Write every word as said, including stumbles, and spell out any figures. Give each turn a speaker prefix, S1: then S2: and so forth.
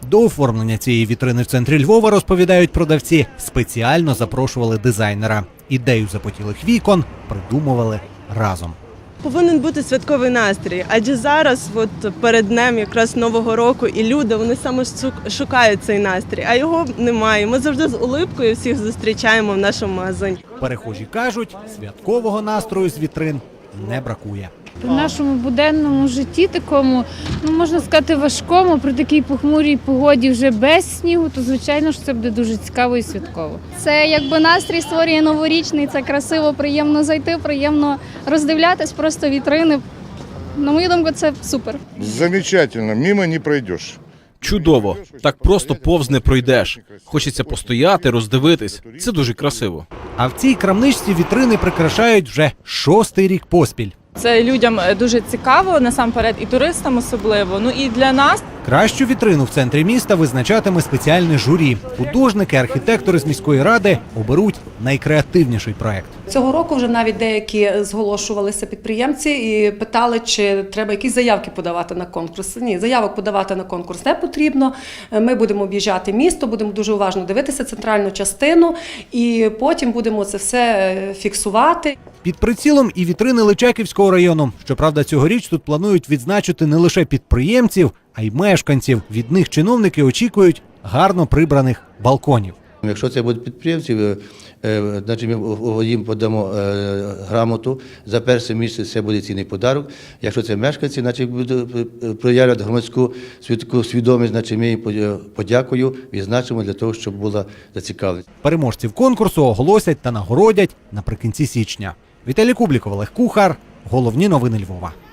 S1: До оформлення цієї вітрини в центрі Львова, розповідають продавці, спеціально запрошували дизайнера. Ідею запотілих вікон придумували разом.
S2: Повинен бути святковий настрій, адже зараз, от перед днем якраз Нового року, і люди, вони саме шукають цей настрій, а його немає. Ми завжди з улипкою всіх зустрічаємо в нашому магазині.
S1: Перехожі кажуть, святкового настрою з вітрин не бракує.
S3: В нашому буденному житті такому, ну можна сказати, важкому, при такій похмурій погоді вже без снігу, то звичайно ж це буде дуже цікаво і святково.
S4: Це якби настрій створює новорічний, це красиво, приємно зайти, приємно роздивлятись, просто вітрини. На мою думку, це супер.
S5: Замечательно, мимо не пройдеш.
S6: Чудово. Так просто повз не пройдеш. Хочеться постояти, роздивитись. Це дуже красиво.
S1: А в цій крамничці вітрини прикрашають вже шостий рік поспіль.
S7: Це людям дуже цікаво, насамперед, і туристам особливо. Ну і для нас.
S1: Кращу вітрину в центрі міста визначатиме спеціальне журі. Художники, архітектори з міської ради оберуть найкреативніший проект.
S8: Цього року вже навіть деякі зголошувалися підприємці і питали, чи треба якісь заявки подавати на конкурс. Ні, заявок подавати на конкурс не потрібно. Ми будемо об'їжджати місто, будемо дуже уважно дивитися центральну частину і потім будемо це все фіксувати.
S1: Під прицілом і вітрини Личаківського району. Щоправда, цьогоріч тут планують відзначити не лише підприємців, а й мешканців. Від них чиновники очікують гарно прибраних балконів.
S9: Якщо це будуть підприємці, значить ми їм подамо грамоту. За перше місце це буде цінний подарок. Якщо це мешканці, значить проявлять громадську свідомість, значить ми їм подякую, відзначимо для того, щоб була зацікавленість.
S1: Переможців конкурсу оголосять та нагородять наприкінці січня. Віталій Кубліков, Олег Кухар. Головні новини Львова.